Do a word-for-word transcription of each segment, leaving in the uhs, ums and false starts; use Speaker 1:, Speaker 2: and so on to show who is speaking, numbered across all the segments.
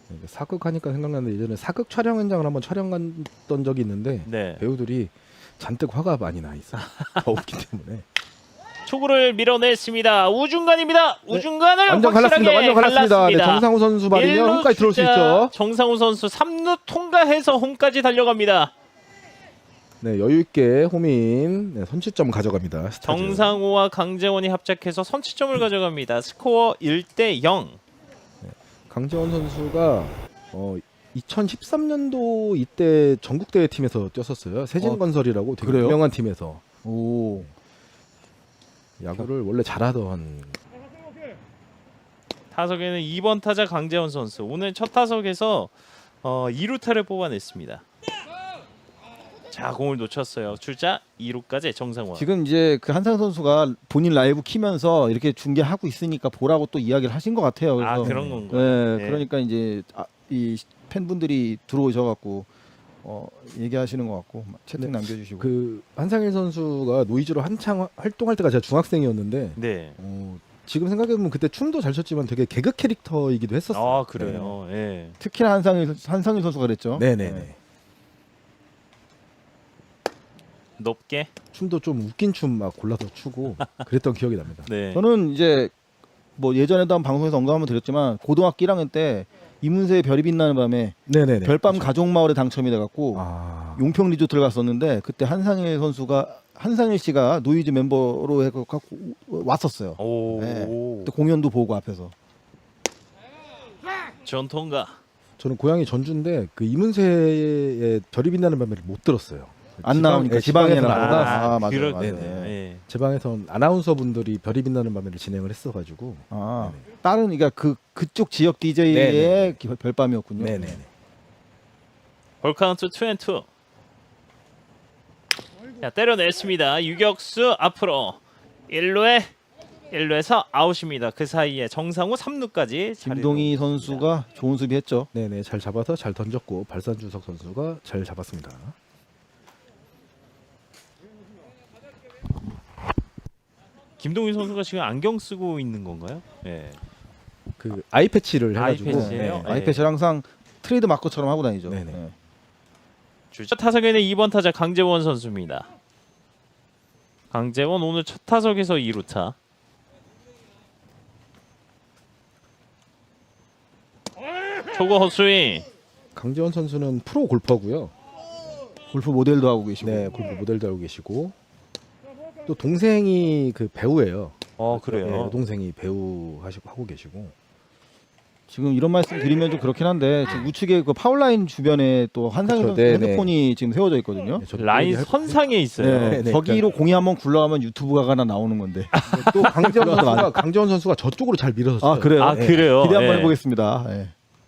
Speaker 1: 사극하니까 생각나는데 예전에 사극 촬영 현장을 한번 촬영 갔던 적이 있는데
Speaker 2: 네.
Speaker 1: 배우들이 잔뜩 화가 많이 나 있어. 더웠기 때문에.
Speaker 2: 초구를 밀어냈습니다. 우중간입니다. 우중간을
Speaker 1: 완전
Speaker 2: 확실하게
Speaker 1: 갈랐습니다. 완전 갈랐습니다. 네,
Speaker 2: 갈랐습니다.
Speaker 1: 정상우 선수 말이면
Speaker 2: 일루
Speaker 1: 홈까지 들어올 수
Speaker 2: 주자
Speaker 1: 있죠.
Speaker 2: 정상우 선수 삼 루 통과해서 홈까지 달려갑니다.
Speaker 1: 네, 여유 있게 홈인 네, 선취점 가져갑니다. 스타즈.
Speaker 2: 정상우와 강재원이 합작해서 선취점을 가져갑니다. 스코어 일 대 영.
Speaker 1: 강재원 선수가 어, 이천십삼 년도 이때 전국대회 팀에서 뛰었었어요. 세진건설이라고 되게
Speaker 3: 그래요?
Speaker 1: 유명한 팀에서
Speaker 3: 오.
Speaker 1: 야구를 원래 잘하던.
Speaker 2: 타석에는 이 번 타자 강재원 선수. 오늘 첫 타석에서 어, 이 루타를 뽑아냈습니다. 자, 공을 놓쳤어요. 출자 이 루까지 정상원.
Speaker 3: 지금 이제 그 한상 선수가 본인 라이브 키면서 이렇게 중계하고 있으니까 보라고 또 이야기를 하신 것 같아요. 그래서
Speaker 2: 아, 그런 건가요?
Speaker 3: 네,
Speaker 2: 네.
Speaker 3: 그러니까 이제 아, 이 팬분들이 들어오셔갖고 어, 얘기하시는 것 같고 채팅
Speaker 1: 네.
Speaker 3: 남겨주시고.
Speaker 1: 그 한상일 선수가 노이즈로 한창 활동할 때가 제가 중학생이었는데
Speaker 2: 네.
Speaker 1: 어, 지금 생각해보면 그때 춤도 잘 췄지만 되게 개그 캐릭터이기도 했었어요.
Speaker 2: 아, 그래요. 예.
Speaker 3: 특히나 한상일 한상일 선수가 그랬죠.
Speaker 1: 네네네.
Speaker 3: 네.
Speaker 2: 높게.
Speaker 1: 춤도 좀 웃긴 춤 막 골라서 추고 그랬던 기억이 납니다.
Speaker 2: 네.
Speaker 3: 저는 이제 뭐 예전에도 한 방송에서 언급 한번 드렸지만 고등학교 일 학년 때 이문세의 별이 빛나는 밤에
Speaker 1: 네네네.
Speaker 3: 별밤
Speaker 1: 그렇죠.
Speaker 3: 가족 마을에 당첨이 돼갖고
Speaker 1: 아,
Speaker 3: 용평 리조트를 갔었는데 그때 한상일 선수가 한상일 씨가 노이즈 멤버로 해갖고 왔었어요.
Speaker 2: 오.
Speaker 3: 네. 그때 공연도 보고 앞에서.
Speaker 2: 전통가.
Speaker 1: 저는 고향이 전주인데 그 이문세의 별이 빛나는 밤에를 못 들었어요.
Speaker 3: 안
Speaker 1: 지방-
Speaker 3: 나오니까
Speaker 1: 네,
Speaker 3: 지방에는
Speaker 1: 지방에서는
Speaker 3: 안
Speaker 1: 안
Speaker 3: 나와서.
Speaker 1: 나왔어요.
Speaker 3: 아, 맞아요,
Speaker 2: 그렇겠네요.
Speaker 3: 맞아요.
Speaker 2: 예.
Speaker 1: 제 방에서 아나운서 분들이 별이 빛나는 밤에를 진행을 했어가지고.
Speaker 3: 아,
Speaker 1: 네네.
Speaker 3: 다른 그러니까 그 그쪽 지역 디제이의
Speaker 1: 네네.
Speaker 3: 별밤이었군요.
Speaker 1: 네네네.
Speaker 2: 볼 카운트 투 앤 투. 자, 때려냈습니다. 유격수 앞으로 일 루에 일 루에서 아웃입니다. 그 사이에 정상우 삼 루까지
Speaker 3: 김동희 선수가 좋은 수비했죠.
Speaker 1: 네네, 잘 잡아서 잘 던졌고 발산주석 선수가 잘 잡았습니다.
Speaker 2: 김동희 선수가 지금 안경 쓰고 있는 건가요? 예.
Speaker 1: 그 아이 패치를
Speaker 2: 아이
Speaker 1: 해가지고.
Speaker 2: 패치예요?
Speaker 1: 네.
Speaker 2: 네.
Speaker 3: 아이패치를 항상 트레이드 마커처럼 하고 다니죠.
Speaker 1: 네네.
Speaker 3: 네.
Speaker 2: 첫 타석에는 이 번 타자 강재원 선수입니다. 강재원 오늘 첫 타석에서 이 루타. 초구 헛스윙.
Speaker 1: 강재원 선수는 프로 골퍼고요.
Speaker 3: 골프 모델도 하고 계시고.
Speaker 1: 네, 골프 모델도 하고 계시고 또 동생이 그 배우예요.
Speaker 2: 어,
Speaker 1: 네,
Speaker 2: 그래요.
Speaker 1: 동생이 배우 하시고 하고 계시고.
Speaker 3: 지금 이런 말씀 드리면 좀 그렇긴 한데 지금 우측에 그 파울라인 주변에 또 한상일
Speaker 1: 그렇죠.
Speaker 3: 선수
Speaker 1: 네네.
Speaker 3: 핸드폰이 지금 세워져 있거든요.
Speaker 1: 네, 저도
Speaker 2: 라인
Speaker 1: 얘기할
Speaker 2: 선상에 있어요.
Speaker 3: 네,
Speaker 1: 네, 네,
Speaker 3: 저기로 공이 한번 굴러가면 유튜브가 하나 나오는 건데.
Speaker 1: 건데 또 강재원 선수가 강재원 선수가 저쪽으로 잘 밀어서.
Speaker 3: 아 그래요?
Speaker 2: 아,
Speaker 1: 네.
Speaker 2: 그래요.
Speaker 3: 기대 한번
Speaker 2: 예.
Speaker 3: 해보겠습니다. 네.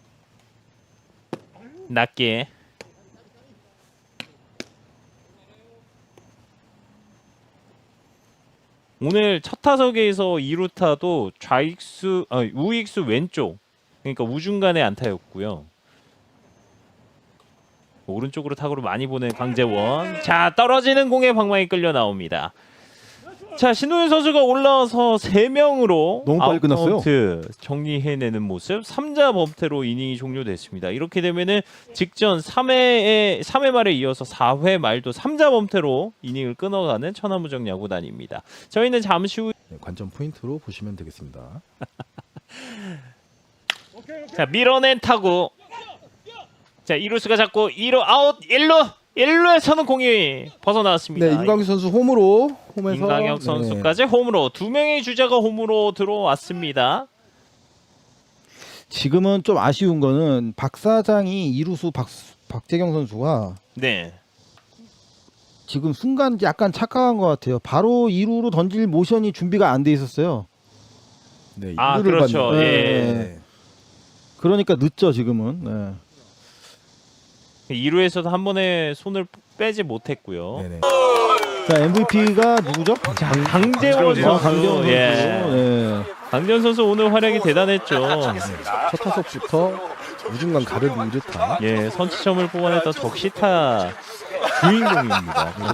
Speaker 2: 낮게. 오늘 첫 타석에서 이 루타도 좌익수, 아, 우익수 왼쪽, 그러니까 우중간의 안타였고요. 오른쪽으로 타구를 많이 보낸 강재원. 자, 떨어지는 공에 방망이 끌려 나옵니다. 자, 신우현 선수가 올라와서 세 명으로
Speaker 3: 너무 빨리 끝났어요.
Speaker 2: 아웃카운트 정리해내는 모습. 삼 자 범퇴로 이닝이 종료됐습니다. 이렇게 되면은 직전 삼 회에 삼 회 말에 이어서 사 회 말도 삼 자 범퇴로 이닝을 끊어가는 천하무적 야구단입니다. 저희는 잠시 후
Speaker 1: 네, 관전 포인트로 보시면 되겠습니다.
Speaker 2: 자, 밀어낸 타구. 자, 이루수가 잡고 이 루 아웃. 일 루 일 루에서는 공이 벗어나왔습니다.
Speaker 1: 네, 임광규 선수 홈으로 홈에서
Speaker 2: 임강혁
Speaker 1: 네.
Speaker 2: 선수까지 홈으로 두 명의 주자가 홈으로 들어왔습니다.
Speaker 3: 지금은 좀 아쉬운 거는 박 사장이 이루수 박 박재경 선수가
Speaker 2: 네.
Speaker 3: 지금 순간 약간 착각한 것 같아요. 바로 이 루로 던질 모션이 준비가 안 돼 있었어요.
Speaker 1: 네,
Speaker 2: 아,
Speaker 1: 이루를
Speaker 2: 그렇죠.
Speaker 1: 받는-
Speaker 2: 예.
Speaker 1: 네.
Speaker 3: 그러니까 늦죠 지금은. 네.
Speaker 2: 이 루에서도 한 번에 손을 빼지 못했고요.
Speaker 1: 네네.
Speaker 3: 자 엠브이피가 누구죠?
Speaker 2: 자, 강재원 선수.
Speaker 3: 아, 강재원 선수.
Speaker 2: 예.
Speaker 3: 네.
Speaker 2: 강재원 선수 오늘 활약이 대단했죠.
Speaker 1: 첫 타석부터 우중간 가르는 이루타.
Speaker 2: 예, 선취점을 뽑아냈던 적시타 주인공입니다.